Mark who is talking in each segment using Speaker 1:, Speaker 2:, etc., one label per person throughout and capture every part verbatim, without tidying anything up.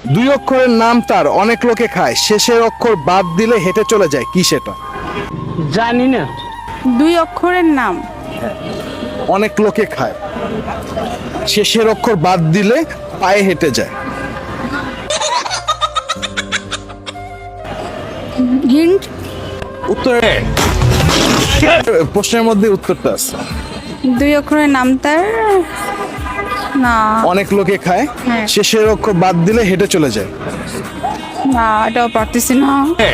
Speaker 1: দুই অক্ষরের নাম তার, অনেক লোকে খায়, শেষের অক্ষর বাদ দিলে হেঁটে চলে যায়, কি সেটা?
Speaker 2: জানি না।
Speaker 3: দুই অক্ষরের নাম,
Speaker 1: অনেক লোকে খায়, শেষের অক্ষর বাদ দিলে পায়ে হেঁটে যায়।
Speaker 3: হিন্ট।
Speaker 1: উত্তর প্রশ্নের মধ্যে উত্তরটা আছে।
Speaker 3: দুই অক্ষরের নাম তার, না
Speaker 1: অনেক লোকে খায়,
Speaker 3: হ্যাঁ।
Speaker 1: শেষের অক্ষর বাদ দিলে হেঁটে চলে যায়।
Speaker 3: না এটাও পারতেছি না।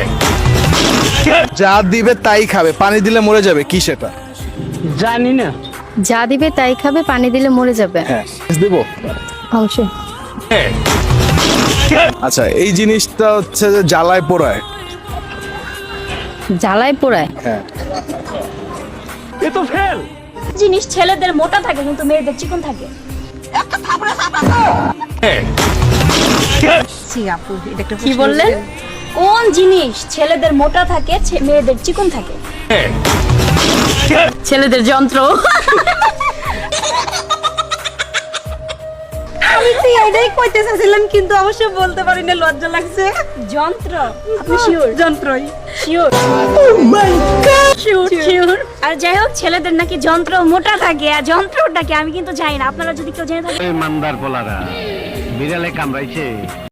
Speaker 1: যা দিবে তাই খাবে, পানি দিলে মরে যাবে, কি সেটা?
Speaker 2: জানি না।
Speaker 4: যা দিবে তাই খাবে, পানি দিলে মরে যাবে।
Speaker 1: হ্যাঁ দিব।
Speaker 4: অবশ্যই।
Speaker 1: আচ্ছা, এই জিনিসটা হচ্ছে যে জ্বালায় পোড়ায়।
Speaker 4: জ্বালায় পোড়ায়।
Speaker 1: হ্যাঁ।
Speaker 2: এ তো ফেল।
Speaker 5: জিনিস ছেলেদের মোটা থাকে কিন্তু মেয়েদের চিকন থাকে।
Speaker 4: কি বললেন?
Speaker 5: কোন জিনিস ছেলেদের মোটা থাকে ছে- মেয়েদের চিকন থাকে?
Speaker 4: ছেলেদের যন্ত্র।
Speaker 6: আমি তো এটাই কইতে চাইছিলাম কিন্তু অবশ্য বলতে পারি না, লজ্জা লাগছে।
Speaker 5: যন্ত্র। আপনি শিওর?
Speaker 6: যন্ত্রই।
Speaker 5: শিওর? Sure sure. আর যাই হোক, ছেলেদের নাকি যন্ত্র মোটা থাকে, আর যন্ত্রটা কি আমি কিন্তু জানি না। আপনারা যদি কেউ জেনে থাকেন
Speaker 2: এই মান্দার পোলারা বিড়ালে কামড়াইছে।